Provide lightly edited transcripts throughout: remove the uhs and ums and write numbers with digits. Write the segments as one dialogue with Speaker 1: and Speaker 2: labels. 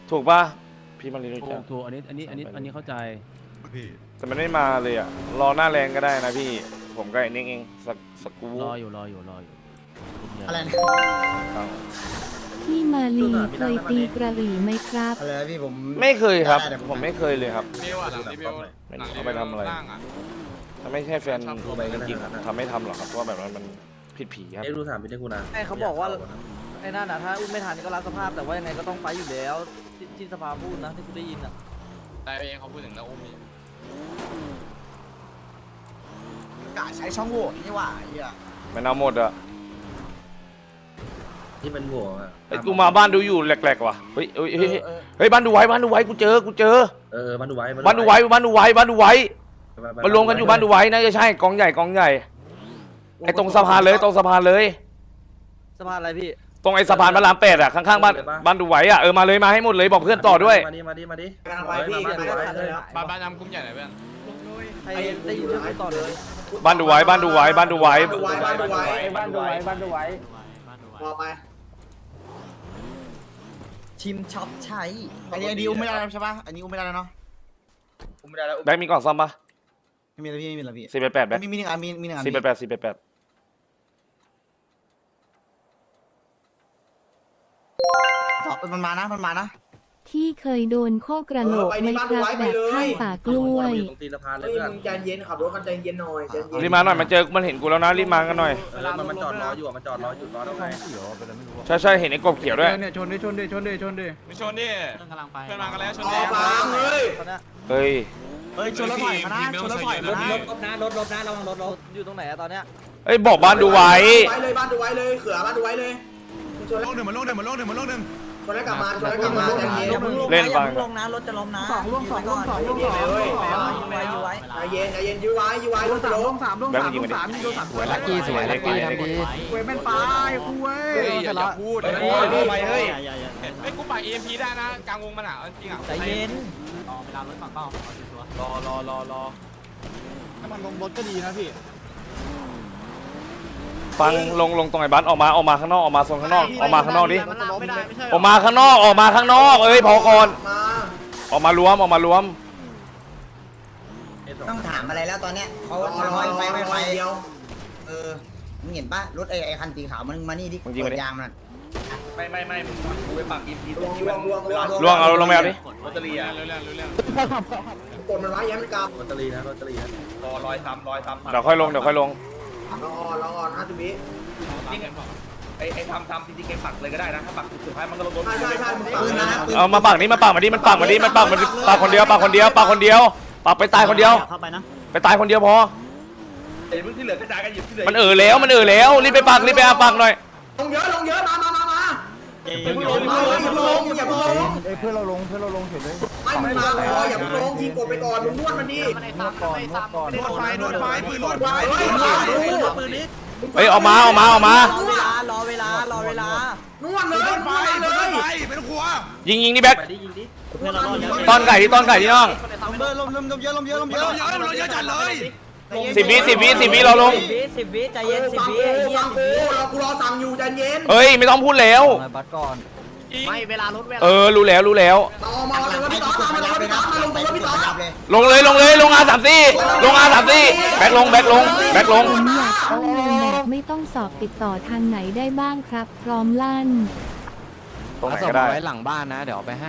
Speaker 1: ถูกป่ะพี่มารีรู้จัก
Speaker 2: ถูกอันนี้เข้าใจ
Speaker 1: แต่มันไม่มาเลยอ่ะรอหน้าแรงก็ได้นะพี่ผมก็ไอ้นิ่งเองสักกู
Speaker 2: รออยู่
Speaker 3: อะไรนะ
Speaker 4: พี่มาลีเคยตีกระหรี่ไหมครับ
Speaker 3: อะไรนะพี่ผม
Speaker 1: ไม่เคยครับผมไม่เคยเลยครับ
Speaker 5: เบลอะหลังรีวิว
Speaker 1: ไม่รู้เอาไปทำอะไร ถ้าไม่ใช่แฟนจริงๆทำไม่ทำหรอกครับเพราะว่าแบบนั้นมันผิดผีครับ
Speaker 6: เอ็กซ์ดูถามพี่ได้กูนะ
Speaker 7: ไอ้เขาบอกว่าไอ้นั่นน่ะถ้าอุ้มไม่ทันก็รับสภาพแต่ว่ายังไงก็ต้องไฟอยู่แล้วที่สภาพูดนะที่กูได้ยินอ่ะ
Speaker 5: แต่เองเขาพูดถึงแล้วอุ้มนี่
Speaker 3: กะใช้ช่องโหว่นี่หว่าไอ้เหี้ย
Speaker 1: มันเอาหมดอ่ะ
Speaker 6: ที่เป็นหัวอ่ะ
Speaker 1: ไอ้กูมาบ้านดูอยู่แหลกๆว่ะเฮ้ยเฮ้ยบ้านดูไว้กูเจอ
Speaker 6: บ้านดูไว้
Speaker 1: บ้านดูไว้มารวมกันอยู่บ้านดูไว้น่าจะใช่กองใหญ่ไอ้ตรงสะพานเลย
Speaker 7: สะพานอะไรพี่
Speaker 1: ตรงไอ้สะพานพระราม8อ่ะข้างๆบ้านดูไว้อ่ะมาเลยมาให้หมดเลยบอกเพื่อนต่อด้วย
Speaker 6: มาดิ
Speaker 3: กำลังไปพี่กำลังไปเลย
Speaker 5: บ้านยำกุ้มใหญ่ไหนเพื่อน
Speaker 7: ใครได้ยินเรื่องต่อเลย
Speaker 1: บ้านดูไว้
Speaker 3: บ้านดูไว้ พอไปชิมช็อปใช้อันนี้ดิวไม่ได้แล้วใช่ปะอันนี้อุ้มไม่ได้แล้วเนาะ
Speaker 1: แบงค์มีกล่องซ่อมปะ
Speaker 3: ไม่มีแล้วพี่ไม่มีแล้วพี่
Speaker 1: 488แบงค์
Speaker 3: มีหนึ่งอันมีหนึ่งอัน
Speaker 1: 488
Speaker 3: มันมานะ
Speaker 4: ที่เคยโดนโคกระโหลกไหมครับแบบข้างป่ากล้วย
Speaker 6: ตรงตีนสะพานเลย
Speaker 3: เฮ้ย
Speaker 6: เพื่อน
Speaker 3: มึงใจเย็นขับรถกันใจเย็นหน่อยใจเย็น
Speaker 1: รีบมาหน่อยมันเห็นกูแล้วนะรีบมากันหน่อย
Speaker 6: มันจอดรออยู่มันจอดรออยู่รอตรงไหน
Speaker 1: ใช่เห็นไอ้กบเขียวด้วย
Speaker 2: เนี่ยชนดิ
Speaker 5: ไม่ชนดิเพื่อนมากันแล้วชน
Speaker 3: อ
Speaker 5: ดิ
Speaker 3: อกมาเฮ้ย
Speaker 7: ตอนนี้
Speaker 1: เฮ้ย
Speaker 3: ชนรถถอยมานะชนรถถอยมานะ
Speaker 7: รถระวังรถอยู่ตรงไหนอะตอนเนี้ย
Speaker 1: เอ้ยบอกบ้านดูไว้
Speaker 3: เลยบ้านดูไว้เลยเขือบ้านดูไว้เลยชนแล้ว
Speaker 5: โลกหนึ่ง
Speaker 3: ชนแล้วกลับมาใจเย็น
Speaker 1: เล่นฟัง
Speaker 7: ลงนะรถจะล้มนะ
Speaker 3: ใจเย็นยื้อไว้รถจะล้ม
Speaker 1: แบงค์มึงยิงมาดิ
Speaker 2: ลักกี้สวยลักกี้ทำดี
Speaker 3: เว้ยมันไปคุย
Speaker 5: อย่าพูด
Speaker 1: เฮ้ย
Speaker 5: ไอ้กูป่า EMP ได้นะกลางวงมันอ่ะจริงอ่ะ
Speaker 7: ใจเย็น
Speaker 5: รอ
Speaker 2: ถ้ามันลงรถก็ดีนะพี่
Speaker 1: ฟังลงตรงไอ้บ้านออกมาข้างนอกออกมาโซนข้างนอกออกมาข้างนอกดิ
Speaker 7: ไม่ได้ไม่ใช่
Speaker 1: ออกมาข้างนอกเอ้ยพอก่อน
Speaker 3: มา
Speaker 1: ออกมารวม
Speaker 8: ต้องถามอะไรแล้วตอนเนี้ยเขาไฟเดียวมึงเห็นปะรถไอ้คันสีขาวมันมานี่ดิเปิดยางมัน
Speaker 6: ไม่กูไปปักอินที
Speaker 3: ล่วง
Speaker 1: ล่วงเอาลงไปเอาดิ
Speaker 6: รถตรีอ่ะ
Speaker 5: รู้เรื่อง
Speaker 3: กดมันไว้ย้ำกลับ
Speaker 6: รถตรีนะรอร้อยซ้ำ
Speaker 1: เดี๋ยวค่อยลง
Speaker 3: รออ่อน50 วิ
Speaker 6: ไอ้ทำจริงๆเกมปักเลยก็ได้นะถ้าปักสุดท้ายมันก็ลงรถ
Speaker 3: ใช่มึงปืนนะ
Speaker 1: เอามาปักมาดิมันปักคนเดียวปักไปตายคนเดียว
Speaker 7: เข้าไปนะ
Speaker 1: ไปตายคนเดียวพอ
Speaker 6: ไอ้มึงที่เหลือกระจายกันหยิบที่เหลือ
Speaker 1: มันแล้วรีบไปปักหน่อย
Speaker 3: ลงเยอะมาอย่าเพิ่งลงเพื่อนเราลงเฉยเลยไม่มึงมาพออย่าเพิ่งลงยิงกดไปก่อนมึงนวดมันดินวดไฟปืนนวดไฟปืนนี้
Speaker 1: เฮ้ยออกมา
Speaker 7: รอเวลาน
Speaker 3: วดเลยเป็นครัว
Speaker 1: ยิงนี่แบ็ค
Speaker 6: ไปดิยิงดิ
Speaker 1: ต้อนไก่ที่น้อง
Speaker 3: ลมเยอะจัดเลย
Speaker 1: 10 วิเราลง
Speaker 7: 10 วิใจเย็น10 วิไอ้เหี้ย
Speaker 3: ฟังกูกูรอสั่งอยู่ใจเย็น
Speaker 1: เอ้ยไม่ต้องพูดแล้ว
Speaker 7: บัตรก่อนไม่เวลารถเวลา
Speaker 1: รู้แล้ว
Speaker 3: ต่อมาเลยพี่ต๊อกมาลงตัวพี่ต๊อก
Speaker 1: ลงเลยลง R34 แบ็คลง
Speaker 4: ผมอยากเข้าโรงแบบไม่ต้องสอบติดต่อทางไหนได้บ้างครับ พร้อมลั่น
Speaker 1: ตรงไหน
Speaker 2: ส่ง
Speaker 1: ก็ได้
Speaker 2: ไว้หลังบ้านนะเดี๋ยวเอาไปให้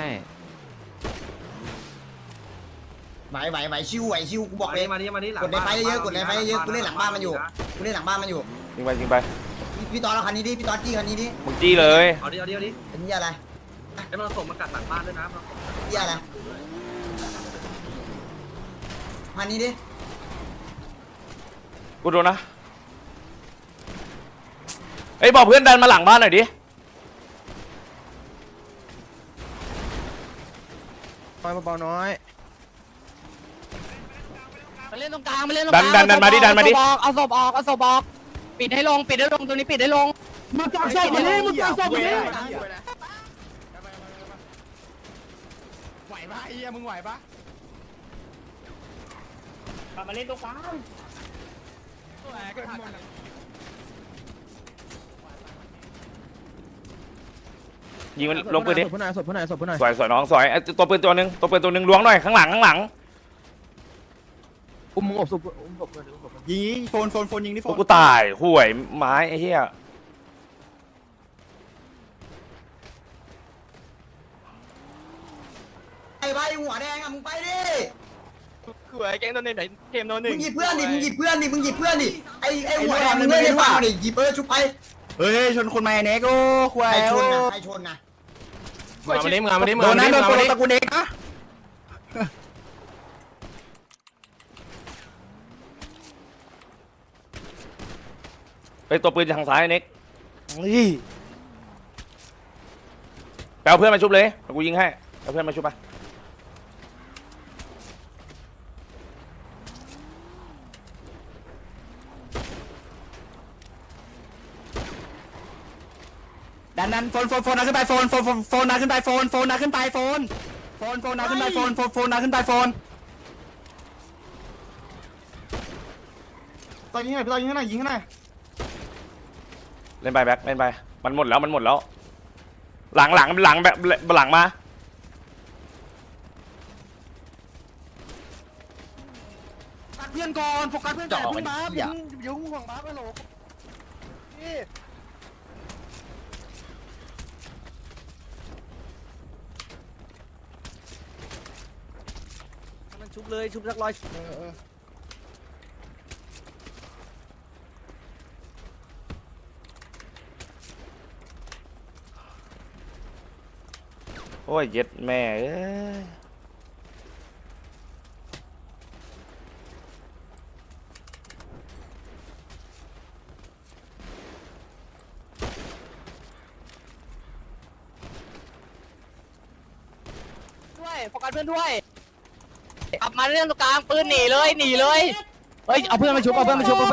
Speaker 8: ไหวชิวกูบอกเลย
Speaker 6: มาดิ
Speaker 8: กดในไฟเยอะกูเล่นหลังบ้านมันอยู่
Speaker 1: ยิงไป
Speaker 8: พี่ตอนเราคันนี้ดิพี่ตอนจี้คันนี้ดิ
Speaker 1: มึงจี้เลย
Speaker 6: เอาดิ
Speaker 8: เป็นยี่อะไร
Speaker 6: ไอ้มันส่งมากัดหลังบ้านด้วยนะ
Speaker 8: ยี่อะไรคันนี้ดิ
Speaker 1: กูโดนนะเอ้ยบอกเพื่อนดันมาหลังบ้านหน่อยดิ
Speaker 2: เบาๆน้อย
Speaker 7: มาเล่นตรงกลางมาเล่นตรง
Speaker 1: ดันมาดิ
Speaker 7: เอาศพออกปิดให้ลงตัวนี้ปิดให้ลงมึงจับศพมาเลย
Speaker 5: ไหวปะไอ้เหี้ยมึงไหวปะ
Speaker 7: มาเล่นตรงกลาง
Speaker 5: ไ
Speaker 1: ยิงมันลงปืนดิ
Speaker 2: ศพผู้นายศพผู้นายศพผู้นาย
Speaker 1: สวยน้องสวยไอ้ตัวปืนตัวหนึ่งล้วงหน่อยข้างหลัง
Speaker 2: อุ้มมึงอบศพอุ้มศพเพื่อนอุ้มศพเพื่อนยิงโฟนยิงนี่โฟ
Speaker 1: พวก
Speaker 2: น
Speaker 1: กูตายห่วยไม้ไอ้เหี้ย
Speaker 8: ไอ้ใบหัวแดงอ่ะมึงไปดิ
Speaker 5: คือไอ้แก๊งโดนไหนเกมโดนหนึ่
Speaker 8: มึ
Speaker 5: ง
Speaker 8: งหยิบเพื่อนดิมึงหยิบเพื่อนดิมึงหยิบเพื่อนดิไอ้หัวแดงมึงเล่นในฝั่งดิหยิบชุบไป
Speaker 2: เฮ้ยชนคนมาเน็กโอ้ควาย
Speaker 8: ใครชนนะใครชนนะ
Speaker 5: มาดิมึงมาดิมึง
Speaker 2: โดน
Speaker 5: มา
Speaker 2: นะ
Speaker 5: ดิ
Speaker 2: โดน
Speaker 5: มึง
Speaker 2: ตัว
Speaker 5: มาดิ
Speaker 2: ตะกูเน็กนะ
Speaker 1: ไอ้ตัวปืนทางซ้ายเน็กนี่ไปเอาเพื่อนมาชุบเลยเดี๋ยวกูยิงให้เอาเพื่อนมาชุบไป
Speaker 2: ดันโฟนนะขึ้นไปโฟนนะขึ้นไปโฟนนะขึ้นไปโฟนนะขึ้นไปโฟนนะขึ้นไปโฟนตอนยิงไหนตอนยิงไหนยิงไหน
Speaker 1: เล่นไปแบ็คเล่นไปมันหมดแล้วหลังแบบหลังมา
Speaker 2: เพื่อนก่อนโฟกัสเพื่อนก่อนพึ่งมาอย่ายุ่งห่วงบ้าไปหรอกนี่
Speaker 7: มันชุบเลยชุบสักร้อย
Speaker 1: โอ้ยเย็ดแม่เอ้ย
Speaker 7: ด้วยโฟกัสเพื่อนด้วยกลับมาเรื่องตรงกลางปืนหนีเลยเฮ้ยเอาเพื่อนมาชุบเอาเพื่อนมาชุบ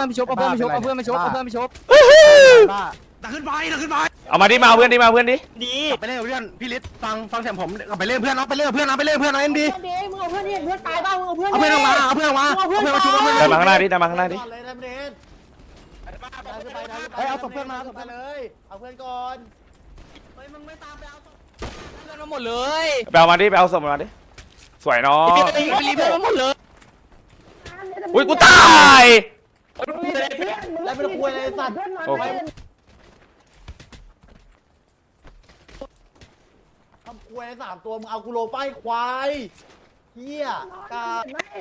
Speaker 7: ดักขึ้นไป
Speaker 1: เอามาดิมาเอาเพื่อนดิมาเอาเพื่อนดิ
Speaker 2: ดีไปเล่นเพื่อนพี่ฤทธิ์ฟังเสียงผมไปเล่นเพื่อนไปเล่นเพื่อนเอ็มดี
Speaker 7: มึงเอาเพื่อนเพื่อนตายบ้างมึงเอาเพื่อน
Speaker 2: เอาเพื่อนออกมาชุบเอาเพื่อน
Speaker 1: เดินมาข้างหน้าดิ
Speaker 2: เอาศพเพื่อนมาเลยเอาเพื่อนก่อน
Speaker 7: เฮ้ยมึงไม่ตามไปเอาเพื่อนมาหมดเลย
Speaker 1: ไปเอามาดิไปเอาศพมาดิสวยน้อง
Speaker 7: ไปรีเพื่อนมาหมดเลย
Speaker 1: อุ้ยกูตาย
Speaker 2: แล้วเป็นคุยอะไรสัตว์
Speaker 1: โอ้โห
Speaker 2: ทำคุย3ตัวมึงเอากูโลป้ายควายเฮียกา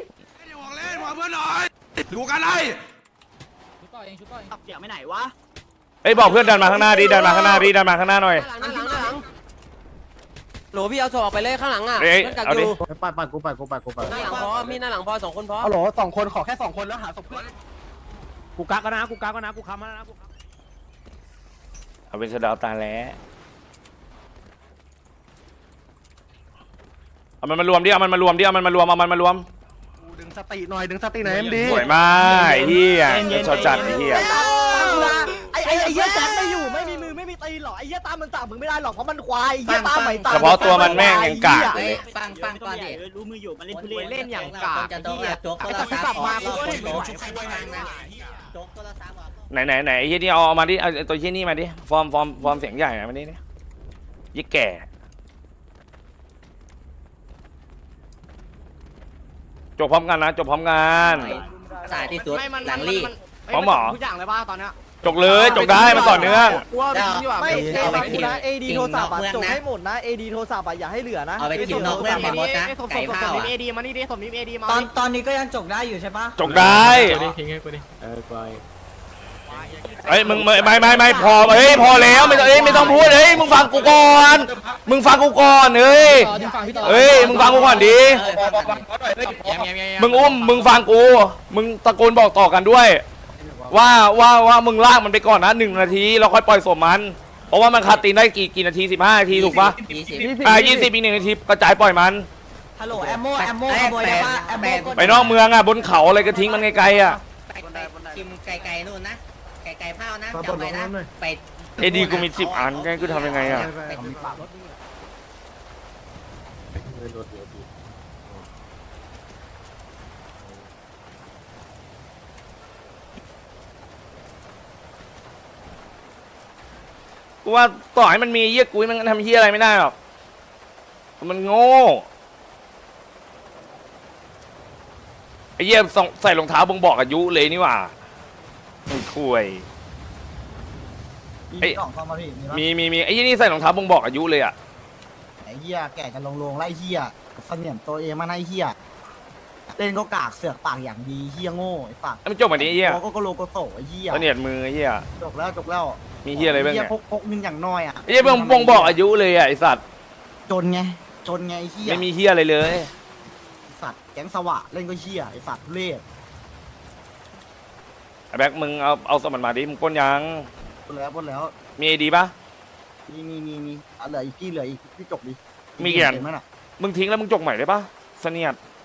Speaker 7: เสียงไม่ไหนวะ
Speaker 1: เอ้ยบอกเพื่อนเดินมาข้างหน้าดิเดินมาข้างหน้าหน่อย
Speaker 7: โหลพี่เอาศพออกไปเลยข้างหลังอ่ะ
Speaker 1: เอ้ย
Speaker 7: เพื่อนกัก
Speaker 1: เอา
Speaker 7: อ
Speaker 1: ดิ
Speaker 7: ยู่
Speaker 2: ปัดกู
Speaker 7: หน้าหลังพอมีหน้าหลังพอ2 คนพอ
Speaker 2: เอาโหล2 คนขอแค่2 คนแล้วหาศพเพื่อนกูกักก็นะกูค้ำแล้วนะ
Speaker 1: เอาเป็นสะเดาวตาแล้วเอามันมารวมดิเอามันมารวม
Speaker 2: ดึงสติหน่อยเอ็มดี
Speaker 1: สวยมากไอ้เหี้ยชอบจัดไอ้เหี้ย
Speaker 7: ไอ้เหี้ยแจ็คไม่อยู่ไม่มีมือไม่มีตีนหรอกไอ้เหี้ยตามมันจับมึงไม่ได้หรอกเพราะมันควายไอ้เหี้ยตามไม่ตาม
Speaker 1: เฉพาะตัวมันแม่งยังกากเลย
Speaker 9: ฟังก่อนดิรู้มืออยู่มันเล่นทุเรศ
Speaker 7: เล่นอย่างกาก
Speaker 9: จะโดนโจ๊กโทรศัพท์โจ๊กโทรศัพท์
Speaker 1: ไหนไอ้เหี้ยนี่เอามาดิเอาตัวเหี้ยนี่มาดิฟอร์มเสียงใหญ่มาดิเนี่ยยี่แก่จบพร้อมกันนะจบพร้อมกัน
Speaker 9: สายที่สุดหลังลี่
Speaker 1: พร้อมหมอ
Speaker 7: ทุกอย่างเลยป่ะตอนเนี้ย
Speaker 1: จบเลยจบได้มันต่อเนื่อง
Speaker 7: กูว่าดีกว่าไม่เอดีโทรศัพท์จบให้หมดนะเอดีโทรศัพท์อย่าให้เหลือนะ
Speaker 9: เอาไปกินนอกเรื่องเป็นมดนะไก่ข้าวอ่ะ
Speaker 7: เอดีมานี่ดิสมนิมเอดีมา
Speaker 8: ตอนนี้ก็ยังจกได้อยู่ใช่ปะ
Speaker 1: จบได้เอ้ยมึงไม่พอเฮ้ยพอแล้วไม่ต้องพูดเฮ้ยมึงฟังกูก่อนเฮ้ยมึงฟังกูก่อนดิมึงอุ้มมึงฟังกูมึงตะโกนบอกต่อกันด้วยว่ามึงลากมันไปก่อนนะ1 นาทีแล้วค่อยปล่อยศพมันเพราะว่ามันคาตีนได้กี่นาที15 นาทีถูกปะ20อีก1 นาทีกระจายปล่อยมัน
Speaker 8: ฮัลโหลแอมโมขโมยได้ปะแอมโม
Speaker 1: ไปนอกเมืองอ่ะบนเขาอะไรก็ทิ้งมันไกลๆอ่ะ
Speaker 9: กินไก่นู่นนะไก่เผานะจำไว้นะไป
Speaker 1: เอดีกูมี10 อันกูทำยังไงอ่ะกูว่าต่อให้มันมีเหี้ยกุ้ยมันทำเหี้ยอะไรไม่ได้หรอกมันโง่ไอ้เหี้ยใส่รองเท้าบ่งบอกอายุเลยนี่หว่าไอ้คุย
Speaker 8: มีกล่องเข้ามาพี่มี
Speaker 1: ไอ้ยี่นี่ใส่รองเท้าบ่งบอกอายุเลยอ่ะ
Speaker 8: ไอ้เหี้ยแก่กันลงไล่เหี้ยเสนียมตัวเองมาไล่เหี้ยเล่นก็กากเสือกปากอย่างดีเหี้ยโง่ไอ้ฝัก
Speaker 1: มันจบแบบนี้ไอ้เหี้ย
Speaker 8: ก็โลโกโตไอ้เหี้ย
Speaker 1: เสนียดมือไอ้เหี้ย
Speaker 8: จบแล้ว
Speaker 1: มีเหี้ยอะไรบ้าง
Speaker 8: เหี้ย
Speaker 1: เนี่ย
Speaker 8: พกเงินอย่างน้อยอ่ะ
Speaker 1: ไอ้เหี้ยบ่งบอกอายุเลยอ่ะไอ้สัตว์
Speaker 8: จนไงไอ้เหี้ย
Speaker 1: ไม่มีเหี้ยอะไรเลย
Speaker 8: สัตว์แก๊งสวะเล่นก็เหี้ยไอ้สัตว์ทุเรศ
Speaker 1: ไอ้แบ็คมึงเอาสมันมาดิมึงปล้นยัง
Speaker 8: ปนแล้ว
Speaker 1: มีไอดีปะ
Speaker 8: มีเหลืออีกพี่จบดิ
Speaker 1: มีกี่อัน
Speaker 8: เห็นไหมน่ะ
Speaker 1: มึงทิ้งแล้วมึงจกใหม่ได้ปะเสนียด